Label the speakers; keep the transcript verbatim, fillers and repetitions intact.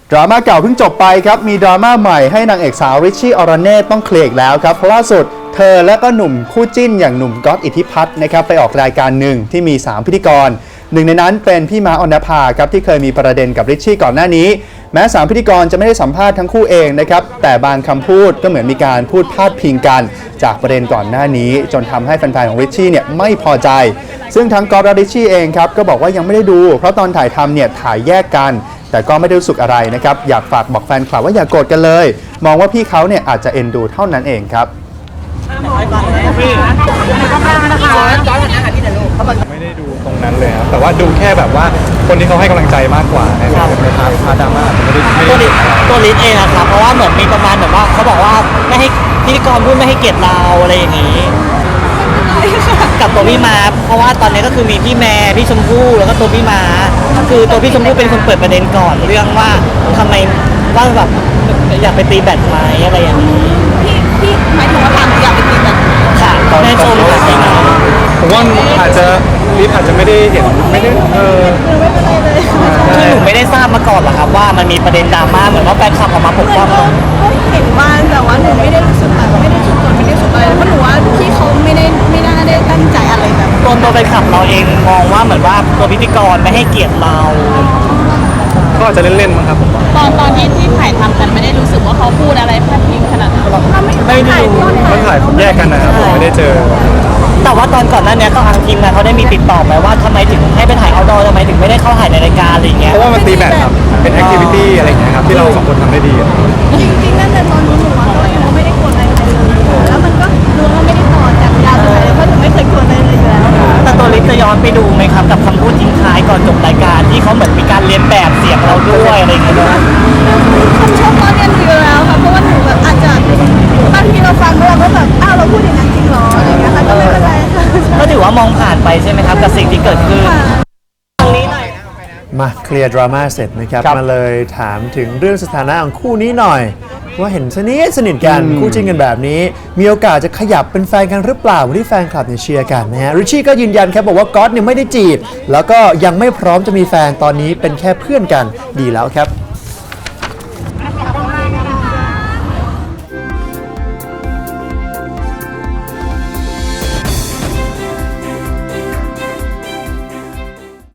Speaker 1: ดราม่าเก่าเพิ่งจบไปครับมีดราม่าใหม่ให้นางเอกสาวริชชี่อรเน่ต้องเคลียร์อีกแล้วครับเพราะล่าสุดเธอและก็หนุ่มคู่จิ้นอย่างหนุ่มก๊อตอิทธิพัฒน์นะครับไปออกรายการหนึ่งที่มีสามพิธีกรหนึ่งในนั้นเป็นพี่ม้าออนภาครับที่เคยมีประเด็นกับริชชี่ก่อนหน้านี้แม้สามพิธีกรจะไม่ได้สัมภาษณ์ทั้งคู่เองนะครับแต่บางคำพูดก็เหมือนมีการพูดพาดพิงกันจากประเด็นก่อนหน้านี้จนทำให้แฟนๆของริชชี่เนี่ยไม่พอใจซึ่งทั้งก๊อตและริชชี่เองครับก็บอกว่ายังไม่ได้ดูเพราะตอนถ่ายทำเนี่ยถ่ายแยกกันแต่ก็ไม่ได้รู้สึกอะไรนะครับอยากฝากบอกแฟนคลับว่าอย่าโกรธกันเลยมองว่าพี่เขาเนี่ยอาจจะเอ็นดูเท่านั้นเองครับ
Speaker 2: ไม่ได้ดูตรงนั้นเลยครับแต่ว่าดูแค่แบบว่าคนที่เขาให้กำลังใจมากกว่าในพาร์ทพาร์ทดราม่าไม่ได้
Speaker 3: ตัวลิ
Speaker 2: ไม่ได้
Speaker 3: ตัวลิสเองอะครับเพราะว่าเหมือนมีประมาณแบบว่าเขาบอกว่าไม่ให้พิธีกรพูดไม่ให้เกียรติเราอะไรอย่างนี้กับตัวพี่มาเพราะว่าตอนนี้ก็คือมีพี่แม่พี่ชมพู่แล้วก็ตัวพี่มาคือตัวพี่ชมพู่เป็นคนเปิดประเด็นก่อนเรื่องว่าทำไมว่าแบบอยากไปตีแบดไหมอะไรอย่างนี้
Speaker 4: พี่พี่หมายถึงว่าทางอยากไปตีแบบ
Speaker 3: ค่ะแม่ชมค่ะพี่มา
Speaker 2: ผมว่าอาจจะลิฟอาจจะไม่ได้เห็นไม่ได้เออ
Speaker 4: ไม่เป็นไรเลย
Speaker 3: คือหนูไม่ได้ทราบมาก่อนหรอกครับว่ามันมีประเด็นดราม่าเหมือนว่าแฟนคลับออกมาปกป้องเรา
Speaker 4: ก็เห็นบ้างแต่ว่าหนูไม่ได้รู้สึกแบบไม่ได้รู้สึกโกรธไม่ได้รู้สึกอะไรเพราะหนูว่าพี่เขาไม่ได้ไม่น่าได้ตั้งใจอะไรแบบ
Speaker 3: ตัวตัวแฟนคลับเราเองมองว่าเหมือนว่าตัวพิธีกรไม่ให้เกียรติเรา
Speaker 2: ก็อาจจะเล่นๆมั้งครับผมว่า
Speaker 4: ตอนตอนที่ที่ถ่ายทำกันไม่ได้รู้สึกว่าเขาพูดอะไรพาดพิงขนาดนั้นเราไม่
Speaker 3: ไม่ได้ดู
Speaker 2: มันถ่ายแยกกันนะครับผมไม่ได้เจอ
Speaker 3: แต่ว่าตอนก่อนหน้านี้ก็ทางทีมงานเขาได้มีติดต่อไปว่าทำไมถึงให้ไปถ่ายเอาท์ดอร์ทำไมถึงไม่ได้เข้าถ่ายในรายการอะไรอย่างเงี้ย
Speaker 2: เพราะว่ามันตีแบตครับเป็นแอคทิวิตี้อะไรอย่างเงี้ยครับที่เราสองคนทำได้ดีอะ
Speaker 4: จริงๆนั่นแต่ตอนนู้นหนูว่าก็ยังไม่ได้โกรธอะไรเลยแล้วมันก็รู้ว่าไม่ได้ต่อจากยาวเลยเพราะหนูไม่เคยโกรธอะไรเลยอยู่แล้ว
Speaker 3: แต่ตัวลิศจะย้อนไปดูไหมครับกับคำพูดทิ้งท้ายก่อนจบรายการที่เขาเหมือนมีการเลียนแบบเสียงเราด้วยอะไรอย่างเงี้ยนะ
Speaker 4: คำชมก็เรียนอยู่แล้วค่ะเพราะว่าหนูแบบอาจจะบางทีเราฟังแล้วเราก็แบบอ้าวเราพูดอย่างนั้นจริงเหรออะไรอย่างเงี้ยค่ะก็ไม่เป็นไรค่ะ
Speaker 3: ก็ถือว่ามองผ่านไปใช่ไหมครับกับสิ่งที่เกิดขึ้นตรงนี้หน่อย
Speaker 5: มาเคลียร์ดราม่าเสร็จนะครับ
Speaker 1: ครับ
Speaker 5: มาเลยถามถึงเรื่องสถานะของคู่นี้หน่อย ว่าเห็นสนิทสนิทกัน
Speaker 1: อืม
Speaker 5: คู่จิ้นกันแบบนี้ มีโอกาสจะขยับเป็นแฟนกันหรือเปล่าที่แฟนคลับเนี่ยเชียร์กันนะฮะริชชี่ก็ยืนยันครับบอกว่าก๊อตเนี่ยไม่ได้จีบแล้วก็ยังไม่พร้อมจะมีแฟนตอนนี้เป็นแค่เพื่อนกันดีแล้วครับ